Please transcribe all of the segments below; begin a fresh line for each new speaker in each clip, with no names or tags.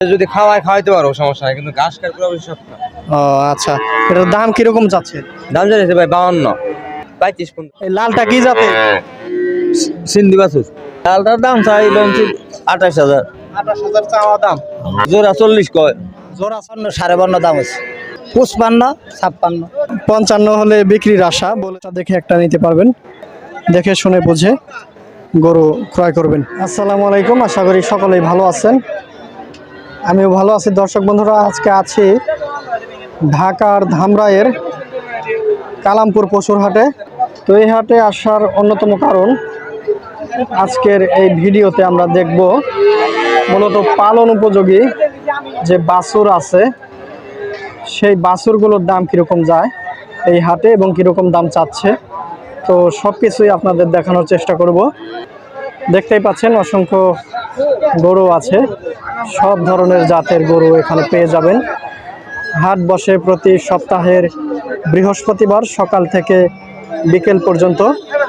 যদি খাওয়াইতে পারো সমস্যা নাই, কিন্তু ঘাস খায় পুরো সব না।
ও আচ্ছা, এটার দাম কিরকম যাচ্ছে?
দাম জানিয়েছে ভাই 52, 35।
এই লালটা কি জাতে?
সিন্ধি বাছুর। লালটার দাম চাই 28,000।
28,000 চাওয়া দাম।
জোড়া 40 কয়।
জোড়া
52 দাম আছে, 55, 56।
55 হলে বিক্রির আশা বলে দেখে একটা নিতে পারবেন, দেখে শুনে বুঝে গরু ক্রয় করবেন। আসসালামু আলাইকুম, আশা করি সকলেই ভালো আছেন, আমিও ভালো আছি। দর্শক বন্ধুরা, আজকে আছি ঢাকার ধামরাইয়ের কালামপুর পশুর হাটে। তো এই হাটে আসার অন্যতম কারণ, আজকের এই ভিডিওতে আমরা দেখব মূলত পালন উপযোগী যে বাছুর আছে সেই বাছুরগুলোর দাম কীরকম যায় এই হাটে এবং কীরকম দাম চাচ্ছে। তো সব কিছুই আপনাদের দেখানোর চেষ্টা করব। দেখতেই পাচ্ছেন অসংখ্য গরু আছে, সব ধরনের জাতের গরু এখানে পেয়ে যাবেন। হাট বসে প্রতি সপ্তাহের বৃহস্পতিবার সকাল থেকে বিকেল পর্যন্ত।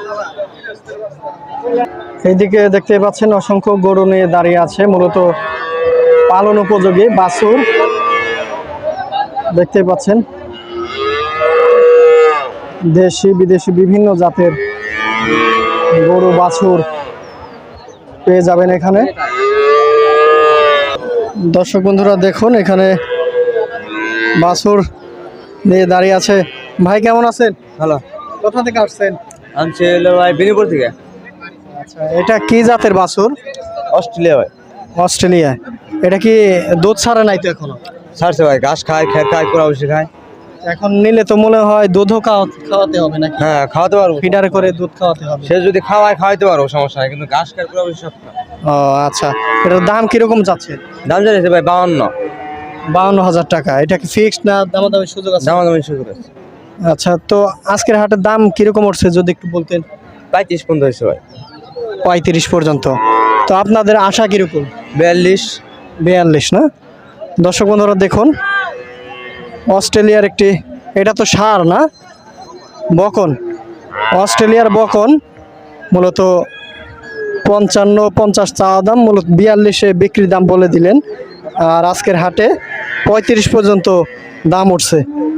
এইদিকে দেখতে পাচ্ছেন অসংখ্য গরু নিয়ে দাঁড়িয়ে আছে, মূলত পালন উপযোগী বাছুর দেখতে পাচ্ছেন। দেশি বিদেশি বিভিন্ন জাতের গরু বাছুর পেয়ে যাবেন এখানে। দর্শক বন্ধুরা দেখুন, এখানে বাছুর নিয়ে দাঁড়িয়ে আছে। ভাই কেমন আছেন?
ভালো।
কোথা থেকে আসছেন?
আনছে ভাই বেনিপুর থেকে।
আচ্ছা, এটা কি জাতের বাছুর?
অস্ট্রেলিয়া ভাই।
অস্ট্রেলিয়া। এটা কি দুধ ছাড়ে নাই তো এখনো?
ছাড়ছে ভাই, ঘাস খায়, খের খায়, পুরা বেশি খায়।
এখন নিলে তো মনে হয় দুধও খাওয়াতে হবে নাকি?
হ্যাঁ, খাওয়াতে পারবো।
ফিডারে করে দুধ খাওয়াতে হবে।
সে যদি খাওয়াইতে পারো সমস্যা নাই, কিন্তু ঘাস খায় পুরো বেশি সব না।
ও আচ্ছা, এটার দাম কিরকম যাচ্ছে?
দাম জানিয়েছে ভাই 52।
52,000 টাকা। এটা কি ফিক্সড না দামাদামি সুযোগ আছে?
দামাদামি শুরু করেছে।
আচ্ছা, তো আজকের হাটের দাম কিরকম উঠছে যদি একটু বলতেন?
35 পর্যন্ত হয়েছে ভাই।
35 পর্যন্ত। তো আপনাদের আশা কিরকম?
42
না? দর্শক বন্ধুরা দেখুন, অস্ট্রেলিয়ার একটি, এটা তো ষাঁড় না, বকন, অস্ট্রেলিয়ার বকন, মূলত 55-50 চাওয়া দাম, মূলত 42-এ বিক্রির দাম বলে দিলেন। আর আজকের হাটে 35 পর্যন্ত দাম উঠছে।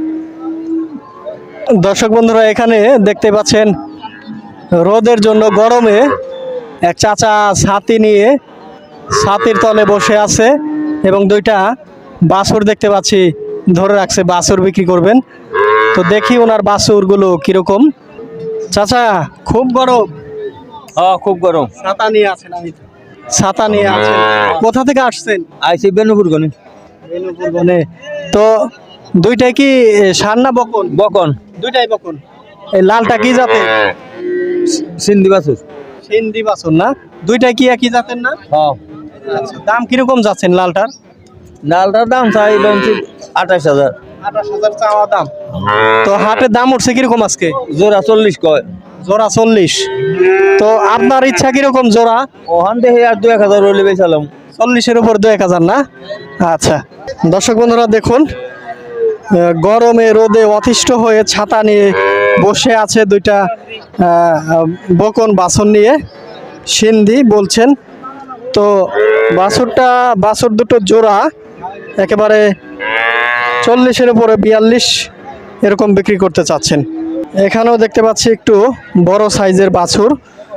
দর্শক বন্ধুরা এখানে দেখতে পাচ্ছেন রোদের জন্য গরমে এক চাচা ছাতি নিয়ে ছাতির তলে বসে আছে এবং দুইটা বাছুর দেখতে পাচ্ছি ধরে রাখছে, বাছুর বিক্রি করবেন। তো দেখি ওনার বাছুরগুলো কিরকম। চাচা খুব গরম?
হ্যাঁ, খুব গরম।
ছাতা নিয়ে আছেন? আমি ছাতা নিয়ে আছেন। কোথা থেকে আসছেন?
আইসি বেনুপুর গনি।
বেনুপুর বনে। তো দুইটাই কি ষাঁড় না বকন?
বকন।
দুইটাই বকন। এই লালটা কি জাতের?
সিন্ধি বাছুর।
সিন্ধি বাছুর না? দুইটাই কি একই জাতের না?
হ্যাঁ।
আচ্ছা, দাম কিরকম যাচ্ছেন লালটার?
লালটার দাম চাই 28,000।
28,000 চাওয়া দাম। তো হাটের দাম উঠছে কিরকম আজকে?
জোড়া 40 কয়।
জোড়া 40। তো আপনার ইচ্ছা কিরকম জোড়া?
ওখান থেকে আর 2-1000 হলে বেচালাম।
40-এর উপর 2-1000 না? আচ্ছা, দর্শক বন্ধুরা দেখুন, গরমে রোদে অতিষ্ঠ হয়ে ছাতা নিয়ে বসে আছে দুইটা বকন বাছুর নিয়ে, সিন্ধি বলছেন। তো বাছুর দুটো জোড়া একেবারে 40-এর উপরে 42 এরকম বিক্রি করতে চাচ্ছেন। এখানেও দেখতে পাচ্ছি একটু বড় সাইজের বাছুর।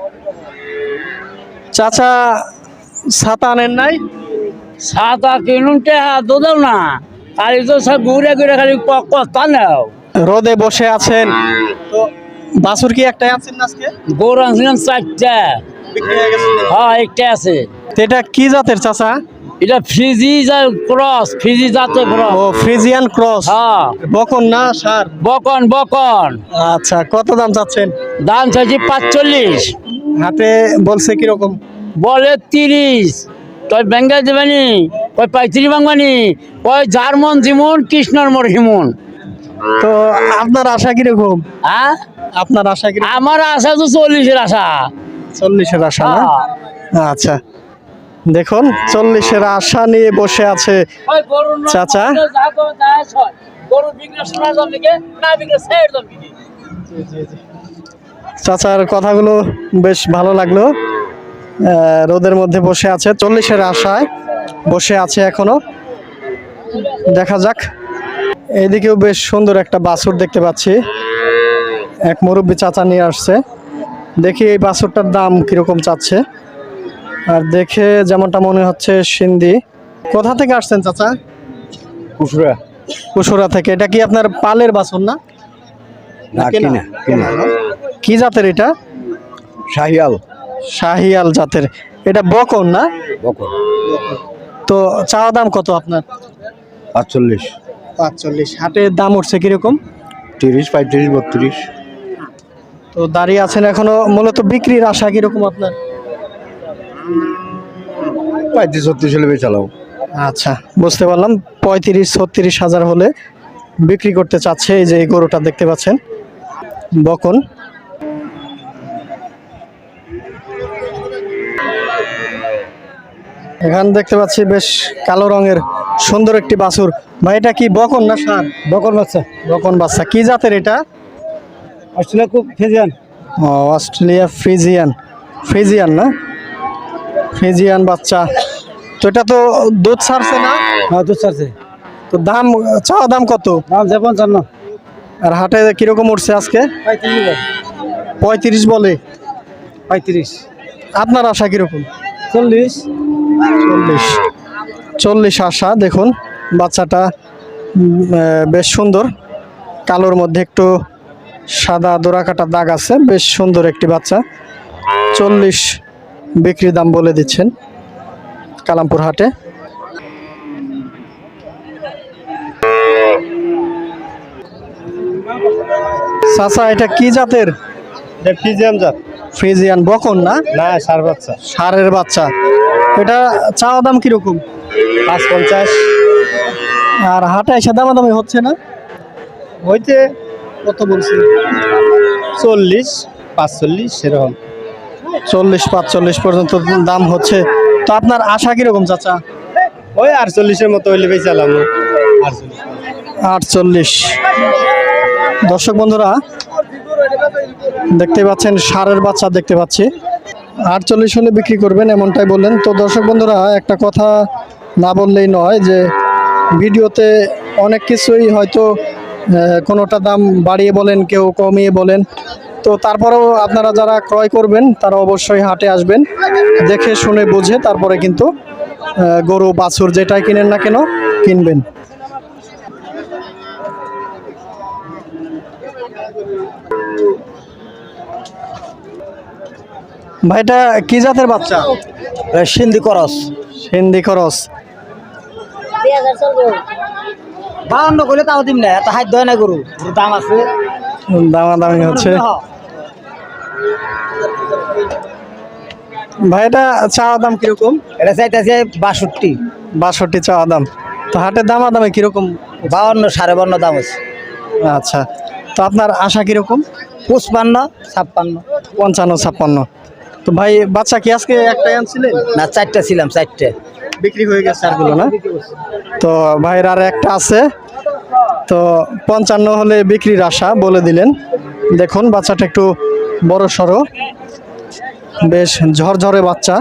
চাচা ছাতা আনেন নাই?
ছাতা কিনুনতে দাও না, খালি তো সব ঘুরে ঘুরে খালি কস্তা নাও।
রোদে বসে আছেন, তো বাছুর কি একটাই আছেন না আজকে?
গরু আনছিলাম 4টা।
বিক্রি হয়ে গেছে?
হ্যাঁ, একটা আছে।
তো এটা কি জাতের চাচা?
এটা ফ্রিজি ক্রস, ফ্রিজি জাতের ক্রস।
ও ফ্রিজিয়ান ক্রস।
হ্যাঁ,
বকন না ষাঁড়?
বকন বকন।
আচ্ছা, কত দাম চাচ্ছেন?
দাম চাইছি 45।
হাতে বলছে কিরকম?
বলে 30। কয় বেঙ্গল দেবেনি, কয় 35 বাংবানি, কয় জার্মন জিমন কৃষ্ণর মোর হিমন।
তো আপনার আশা কিরকম?
হ্যাঁ,
আপনার আশা কিরকম?
আমার আশা তো 40-এর আশা।
40-এর আশা না? আচ্ছা, দেখুন 40-এর আশা নিয়ে বসে আছে চাচা। চাচার কথাগুলো বেশ ভালো লাগলো। রোদের মধ্যে বসে আছে 40-এর আশায়। বসে আছে এখনো, দেখা যাক। এইদিকেও বেশ সুন্দর একটা বাছুর দেখতে পাচ্ছি, এক মুরব্বী চাচা নিয়ে আসছে। দেখি এই বাছুরটার দাম কিরকম চাচ্ছে। আর দেখে যেমনটা মনে হচ্ছে সিন্ধি। কোথা থেকে আসছেন চাচা?
কুসুরা
কুসুরা থেকে। এটা কি আপনার পালের বাছুর না?
না, কিনা কিনা
কি জাতের এটা?
শাহিয়াল
শাহিয়াল জাতের। এটা বকন না?
বকন।
তো চাওয়া দাম কত আপনার?
৪৫,
৪৫। হাটের দাম উঠছে কিরকম?
৩০, ৩৫, ৩২।
তো দাঁড়িয়ে আছেন এখনো, মূলত বিক্রির আশা কিরকম আপনার?
৩৫-৩৬ হলে বেচালাম।
আচ্ছা, বুঝতে পারলাম। ৩৫-৩৬ হাজার হলে বিক্রি করতে চাচ্ছে। এই যে এই গরুটা দেখতে পাচ্ছেন, বকন। এখানে দেখতে পাচ্ছি বেশ কালো রঙের সুন্দর একটি বাছুর। ভাই এটা কি বকন না ষাঁড়?
বকন বাচ্চা,
বকন বাচ্চা। কি জাতের এটা?
অস্ট্রেলিয়া খুব ফেজিয়ান।
ও, অস্ট্রেলিয়া ফ্রিজিয়ান। ফ্রিজিয়ান না? ফ্রিজিয়ান বাচ্চা। তো এটা তো দুধ ছাড়ছে না?
হ্যাঁ, দুধ ছাড়ছে।
তো দাম, চাওয়া দাম কত?
দাম ৫৫।
আর হাটে কিরকম উঠছে আজকে? 35 বলে।
৩৫,
আপনার আশা কিরকম?
৪০।
40 আশা। দেখুন বাচ্চাটা বেশ সুন্দর, কালোর মধ্যে একটু সাদা দোরা কাটা দাগ আছে। বেশ সুন্দর একটি বাচ্চা। 40 বিক্রি দাম বলে দিচ্ছেন কালামপুর হাটে। চাচা এটা কি জাতের?
ফিজিয়ান জাত।
ফ্রিজিয়ান বকন না?
না, ষাঁড় বাচ্চা।
ষাঁড়ের বাচ্চা। এটা চাওয়া দাম কিরকম?
৫৫।
আর হাটে এসে দামাদামি হচ্ছে না?
হইতে
কত বলছি?
৪০, ৪৫ সেরকম।
40-45 পর্যন্ত দাম হচ্ছে। তো আপনার আশা কিরকম চাচা?
ওই ৪৮-এর মতো হইলে বেচালাম।
48। দর্শক বন্ধুরা দেখতে পাচ্ছেন ষাঁড়ের বাচ্চা দেখতে পাচ্ছি। 48 হলে বিক্রি করবেন এমনটাই বললেন। তো দর্শক বন্ধুরা একটা কথা না বললেই নয়, যে ভিডিওতে অনেক কিছুই হয়তো কোনোটা দাম বাড়িয়ে বলেন, কেউ কমিয়ে বলেন। তো তারপরেও আপনারা যারা ক্রয় করবেন তারা অবশ্যই হাটে আসবেন, দেখে শুনে বুঝে তারপরে কিন্তু গরু বাছুর যেটাই কিনেন না কেন কিনবেন। ভাইটা কি জাতের বাচ্চা?
সিন্ধি করস।
হিন্দি খরচ।
৫২ করলে তাও দিম না, এত হাত হয় না গরু, দাম আছে।
দামাদামি হচ্ছে। ভাই এটা চাওয়া দাম কিরকম?
এটা চাইতেছে ৬২।
৬২ চাওয়া দাম। তো হাটের দামাদামি কিরকম?
৫২, ৫.৫ দাম আছে।
আচ্ছা, তো আপনার আশা কিরকম?
৫৫, ৫৬।
৫৫-৫৬। তো ভাই বাচ্চা কি আজকে একটাই আনছিলেন?
না, ৪টা ছিলাম, 4টে
বিক্রি হয়ে গেছে আরগুলো না? তো ভাইয়ের আর একটা আছে। তো ৫৫ হলে বিক্রির আশা বলে দিলেন। দেখুন বাচ্চাটা একটু বড় সড়ো, বেশ ঝরঝরে বাচ্চা।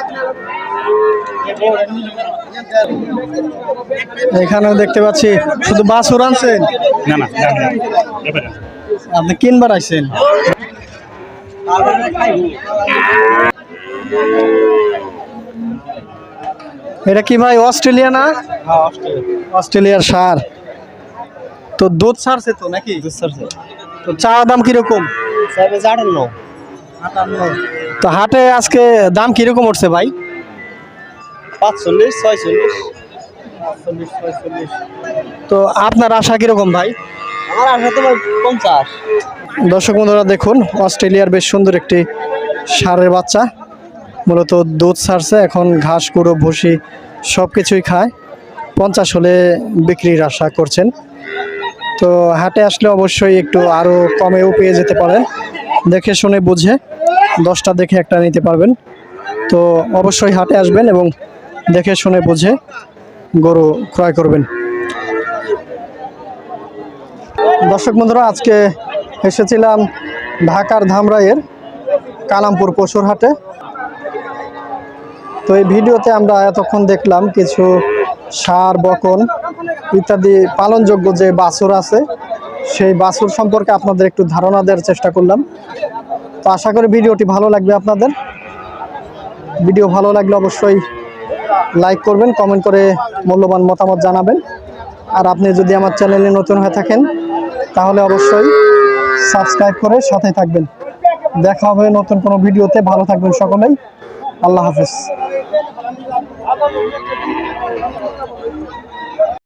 এখানেও দেখতে পাচ্ছি শুধু বাছুর আনছেন?
না না
আপনি কিনবার আইছেন? এটা কি ভাই অস্ট্রেলিয়া না? অস্ট্রেলিয়ার ষাঁড়। তো দুধ ছাড়ছে তো নাকি? তো চাওয়া দাম কিরকম? 58। তো হাটে আজকে দাম কিরকম উঠছে ভাই?
৪৫, ৪৬।
তো আপনার আশা কিরকম ভাই?
আমার আশা তো ৫০।
দর্শক বন্ধুরা দেখুন অস্ট্রেলিয়ার বেশ সুন্দর একটি ষাঁড়ের বাচ্চা, মূলত দুধ ছাড়ছে, এখন ঘাস কুড়ো ভুসি সব কিছুই খায়। ৫০ হলে বিক্রির আশা করছেন। তো হাটে আসলে অবশ্যই একটু আরও কমেও পেয়ে যেতে পারেন, দেখে শুনে বুঝে 10টা দেখে একটা নিতে পারবেন। তো অবশ্যই হাটে আসবেন এবং দেখে শুনে বুঝে গরু ক্রয় করবেন। দর্শক বন্ধুরা আজকে এসেছিলাম ঢাকার ধামরাইয়ের কালামপুর পশুর হাটে। তো তো এই ভিডিওতে আমরা এতক্ষণ দেখলাম কিছু ষাঁড়, বকন ইত্যাদি পালনযোগ্য যে বাছুর আছে সেই বাছুর সম্পর্কে আপনাদের একটু ধারণা দেওয়ার চেষ্টা করলাম। তো আশা করি ভিডিওটি ভালো লাগবে আপনাদের। ভিডিও ভালো লাগলে অবশ্যই লাইক করবেন, কমেন্ট করে মূল্যবান মতামত জানাবেন। আর আপনি যদি আমার চ্যানেলে নতুন হয়ে থাকেন তাহলে অবশ্যই সাবস্ক্রাইব করে সাথে থাকবেন। দেখা হবে নতুন কোনো ভিডিওতে। ভালো থাকবেন সকলেই। আল্লাহ হাফেজ।